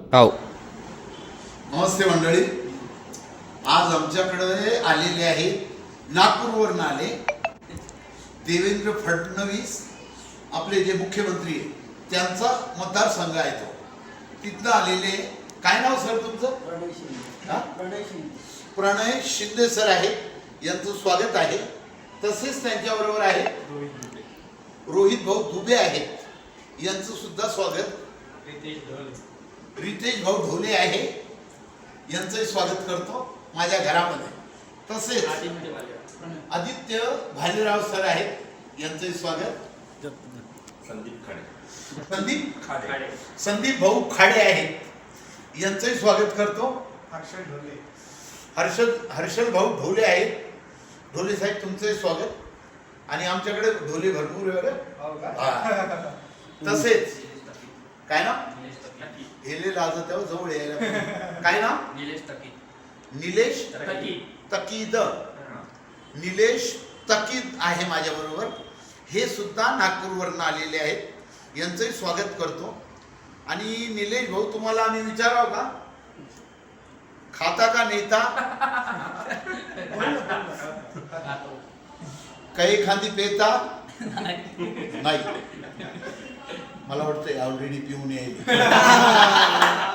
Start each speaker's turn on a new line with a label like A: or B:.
A: हो.
B: नमस्ते मंडळी. आज आमच्याकडे आलेले आहेत, नागपूरवरून आले देवेंद्र फडणवीस, आपले जे मुख्यमंत्री आहेत त्यांचा मतदारसंघ आहे तो, तिथनं आलेले. काय नाव सर तुमचं? प्रणय शिंदे सर आहेत, यांचं स्वागत आहे. तसेच त्यांच्याबरोबर आहे रोहित भाऊ दुबे आहेत, यांचं सुद्धा स्वागत. रितेश भाऊ ढोले आहे, यांचंही स्वागत करतो माझ्या घरामध्ये. तसेच आदित्य भालेराव सर आहेत, यांचंही स्वागत. संदीप भाऊ खाडे आहेत, यांचंही स्वागत करतो. हर्षल भाऊ ढोले आहेत, ढोले साहेब तुमचंही स्वागत. आणि आमच्याकडे ढोले भरपूर वगैरे. तसेच काय ना हेले लाजत आहे जवळ यायला. काय ना निलेश तकीद. निलेश तकीद आहे माझ्या बरोबर, हे सुद्धा नागपूरवरून आलेले आहेत, यांचंही स्वागत करतो. आणि निलेश भाऊ तुम्हाला आम्ही विचारावं का, खाता का नेता? काही खांदी पेता नाही, मला वाटतंय ऑलरेडी पिऊन येईल.